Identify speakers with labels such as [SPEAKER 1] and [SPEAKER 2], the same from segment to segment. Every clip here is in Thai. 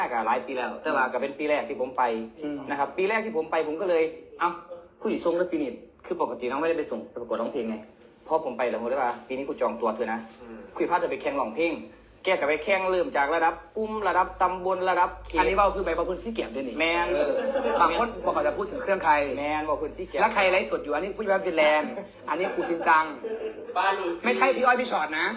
[SPEAKER 1] หลายปีแล้วแต่ว่าก็เป็นปีแรกที่ผมไปนะครับปีแรกที่ผมไปผมก็เลยเอ้าผู้หญิงทรงแล้วปีนี้คือปกติน้องไม่ได้ไปส่งไปประกวดร้องเพลงไงพอผมไปแล้วผมเลยว่าปีนี้กูจองตัวเธอนะคุยพาจะไปแข่งร้องเพลงแกกับไปแข่งเริ่มจากระดับกลุ่มระดับตำบลระดับเขต
[SPEAKER 2] อันนี้ว่าคือใบประพุนซี่เก็บด้วยนี่
[SPEAKER 1] แมน
[SPEAKER 2] บางคนบอกเขาจะพูดถึงเครื่องใคร
[SPEAKER 1] แมนบอกคุณซี่เก็บ
[SPEAKER 2] แล้วใครไลฟ์สดอยู่อันนี้ผู้ว่าเป็นแลนด์อันนี้ครูชินจังไม่ใช่พี่อ้อยพี่ชอตนะ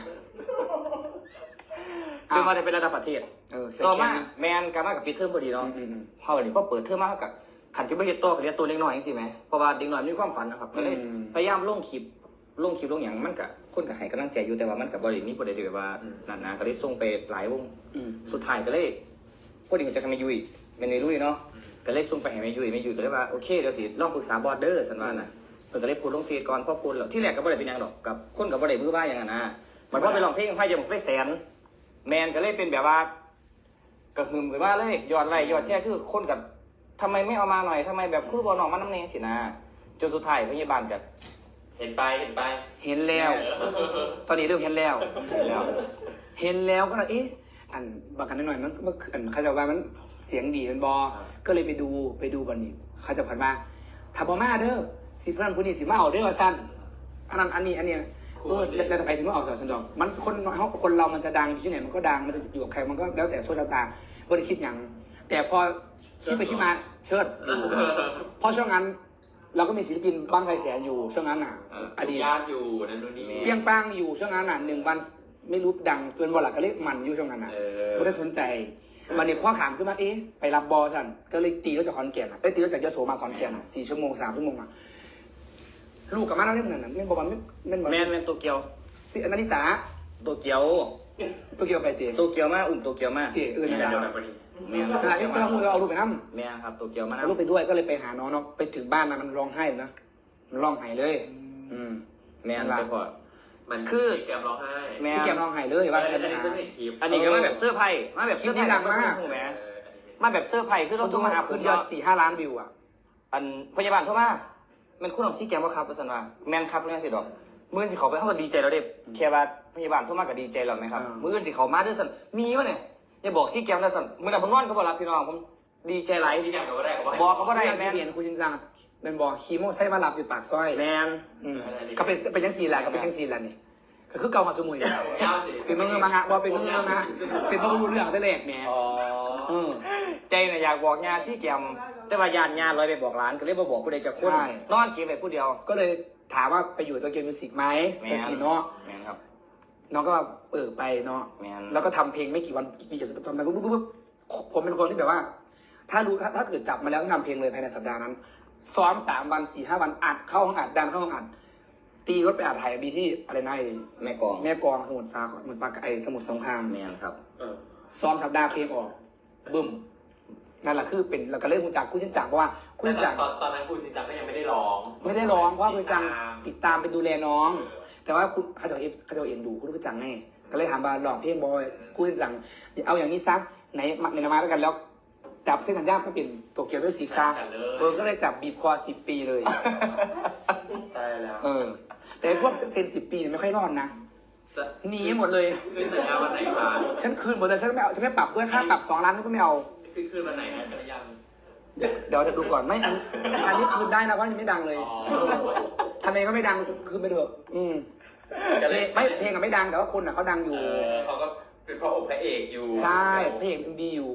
[SPEAKER 1] จนมาได้เป็นระดับประเทศต่อมาแมนการมากับปีเทอมพอดีเนาะพอวันนี้พอเปิดเทอมมากับขันจิบเฮ็ดตัวกับเรียนตัวเล็กน้อยสิไหมเพราะว่าเด็กน้อยมีความฝันนะครับก็เลยพยายามลงคลิปลงอย่างมันกับคนกับให้กำลังใจอยู่แต่ว่ามันกับบริษัทนี้ประเด็นแบบว่านั่นนะก็เลยส่งไปหลายวงสุดท้ายก็เลยพอดีมันจะทำให้ยุยเป็นในลุยเนาะก็เลยส่งไปให้แม่ยุยก็เลยว่าโอเคเดี๋ยวสิลองปรึกษาบอร์เดอร์สันว่านะเพิ่นก็เลยพูดลงเฟซก่อนพอพูดแล้วที่แรกก็บ่ได้เป็นยังดอกกับคนกับบ่ได้มือบ้าอย่างนั้นนะมันว่าไปลองเพลงไพ่จะบอกไฟแสนแมนก็เลยเป็นแบบว่ากระหึ่มไปว่าเลยยอดไลค์ยอดแชร์คือคนกับทำไมไม่เอามาหน่อยทำไมแบบคือบอลน้องมันน้ำเนยสินะจนสุดท้ายพยาบาลกับ
[SPEAKER 3] เห็น
[SPEAKER 2] แล้วตอนนี้เริ่มเห็นแล้วก็เลยอันบักกันหน่อยมันเขาจะว่ามันเสียงดีมันบอก็เลยไปดูบันนี้เขาจะผ่านมาถ้าบอมาเด้อสิเพื่อนผู้นี้สิมาเอาเด้อสั้นอันนี้แล้วจะไปสิมาเอาสอนสันดอกมันคนเรามันจะดังอยู่ที่ไหนมันก็ดังมันจะอยู่กับใครมันก็แล้วแต่โชคชะตาไม่ได้คิดอย่างแต่พอคิดไปคิดมาเชิดเพราะช่วงนั้นเราก็มีศิลปินบ้างไฟแสนอยู่ช่วงนั้นอดีต
[SPEAKER 3] ญาติอยู่นั่นนู่นนี่
[SPEAKER 2] เปี้ยงป้างอยู่ช่วงนั้น1 วันไม่รู้ดังเป็นบอลหลักก็เรียกมันอยู่ช่วงนั้นไม่ได้สนใจวันนี้ข้อขามขึ้นมาไปรับบอลสั่นก็เลยตีรถจากขอนแก่นตีรถจากยโสมาขอนแก่น4 ชั่วโมง 3 ชั่วโมงลูกกับมาแล้วเล่นนั่นไม่บอกว่า
[SPEAKER 1] แมนโตเกียว
[SPEAKER 2] สิอนันติตา
[SPEAKER 1] โตเกียว
[SPEAKER 2] ไปเตะ
[SPEAKER 1] โตเกียวมาโตเกียวมา
[SPEAKER 2] เตะ
[SPEAKER 3] นี่
[SPEAKER 2] นะ
[SPEAKER 3] เดียวกันพอดี
[SPEAKER 2] แม่ขณะที่เราพูดเอาลูกไปนั่ง
[SPEAKER 1] แม่ครับโตเกียวมา
[SPEAKER 2] เอาลูกไปด้วยก็เลยไปหาน้องไปถึงบ้านมันร้องไห้นะมันร้องไห้เลย
[SPEAKER 1] แม่ไปพอ
[SPEAKER 3] มันคือแกมร้องไห้
[SPEAKER 2] ที่แกมร้องไห้เลยว่าฉัน
[SPEAKER 1] อันนี้ก็มาแบบเสื้อไพ่มาแบบ
[SPEAKER 2] คลิปนี้ดังมาก
[SPEAKER 1] มาแบบเสื้อไพ่คือต้องโทรมาหา
[SPEAKER 2] คุณยอด4-5 ล้านวิว
[SPEAKER 1] อันพยาบาลโทรมามันคุณของซี่แกมว่าครับประสันว่าแมนครับเนี่ยสิดอกมือสิเขาไปเขาก็ดีใจเราเด็บแค่ว่าพยาบาลโทรมาก็ดีใจเราไหมครับมือสิเขามาด้วยสันมีวะเนี่ยอย่าบอกซี่แกมนะสันมือหนักผมนอนก็บอกรับพี่น้องผมดีใจหลาย
[SPEAKER 3] ซี่แกมก็ได้
[SPEAKER 2] บอกเขาก็ได้แมนเปลี่ยนคุณชินจังเป็นบอกคีโมใช้มาหลับอยู่ปากซอย
[SPEAKER 1] แมน
[SPEAKER 2] ก็เป็นยังซีแหละก็เป็นยังซีแหละนี่คือเก่ามาสมุยเป็นมือมังงะบอกเป็นมือนะเป็นพระบุรุษเรื่องแต่แรกแม่
[SPEAKER 1] ใจเนี่ยอยากบอกงานซี่แกมแต่ว่าญาติลอยไปบอกร้านก็เลยบอกผู้ใดจะคนนอนเก็บไปผู้เดียว
[SPEAKER 2] ก็เลยถามว่าไปอยู่ตัวเกมมิวสิกไหมตะกี้เนาะน้องก็ไปเนาะแล้วก็ทำเพลงไม่กี่วันมีจะทำไปปุ๊บผมเป็นคนที่แบบว่าถ้าเกิดจับมาแล้วต้องทำเพลงเลยภายในสัปดาห์นั้นซ้อม3 วัน 4-5 วันอัดเข้าห้องอัดดันเข้าห้องอัดตีรถไปอัดถ่ายบีที่อะไรนะ
[SPEAKER 1] แม่กอง
[SPEAKER 2] สมุทรสาครเหมือนปากสมุทรสงคราม
[SPEAKER 1] แม่ครับ
[SPEAKER 2] ซ้อมสัปดาห์เพลงออกบึ้มนั่นแหละคือเป็นเราก็เล่นคุณจักรคู่ชินจักรเพราะว่าคู่ชินจักร
[SPEAKER 3] ตอนนั้นคู่ชินจักรก็ยังไม่ได้ร้อง
[SPEAKER 2] เพราะคุณจังติดตามไปดูแลน้องแต่ว่าคุณเขาจะเอ็นดูคุณจังไงก็เลยถามว่าลองเพลงบอยคู่ชินจักรเอาอย่างนี้ซักในมาแล้วกันแล้วจับเส้นสัญญาไม่เป็นโตเกียวด้วยสีซ่าก็เลยจับบีบคอ10 ปีเลย
[SPEAKER 3] ตายแล้ว
[SPEAKER 2] แต่พวกเซ็น10 ปีไม่ค่อยรอดนะหนีหมดเลย
[SPEAKER 3] คืนสัญญาวันไหนคะ
[SPEAKER 2] ฉันคืนหมดเลยฉันไม่ปรับด้วยค่าปรับ2 ล้านก็ไม่เอา
[SPEAKER 3] คืนวันไหนนะกันยัง
[SPEAKER 2] เดี๋ยวจะดูก่อนไม่อันนี้คืนได้นะเพราะยังไม่ดังเลยทำไมก็ไม่ดังคืนไปเถอะไม่เพลงไม่ดังแต่ว่าคนเขาดังอยู่
[SPEAKER 3] เขาก็เป็นพระองค์พระเอกอยู่
[SPEAKER 2] ใช่พระเอกดีอยู่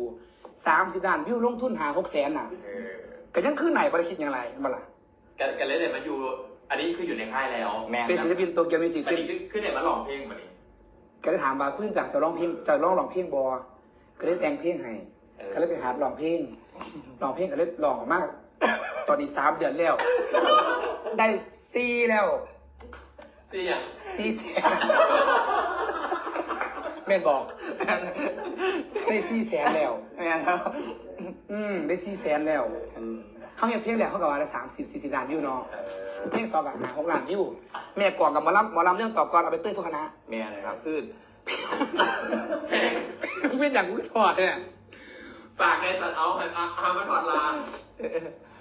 [SPEAKER 2] 30 ล้านวิวลงทุน6 แสนน่ะก็ยังคืนไหนบริคิดอย่างไรมาล่ะ
[SPEAKER 3] กันเลยเนี่ยมาอยู่อันนี้คืออยู่ในค่ายแล้ว
[SPEAKER 2] เป็นศิลปินโตเกียวมิวสิก
[SPEAKER 3] เป็นคือเนี่ยมาร้องเพลงมาดิ
[SPEAKER 2] ก็ได้ถามว่าคุณจักจะร้องเพลงบอก็ได้แต่งเพลงให้ก็เลยไปหาร้องเพลงก็เลยร้องมากตอนนี้3 เดือนแล้วได้4แล้ว4 แสนแม่บอกได้4 แสนแล้ว
[SPEAKER 1] แม่ครับ
[SPEAKER 2] ได้4 แสนแล้วเขาเห็นเพลงแรกเขากับว่าได้30-40 ล้านวิวเนาะเพลง2 ล้าน6 ล้านวิวแม่ก่อนกับหมอลำเรื่องต่อก่อนเอาไปเต้ยทุกคณะ
[SPEAKER 1] แม่ครับคือ
[SPEAKER 2] เว้นอย่างกูถอดเนี่ย
[SPEAKER 3] ปากในสัตว์เอามาถอดลา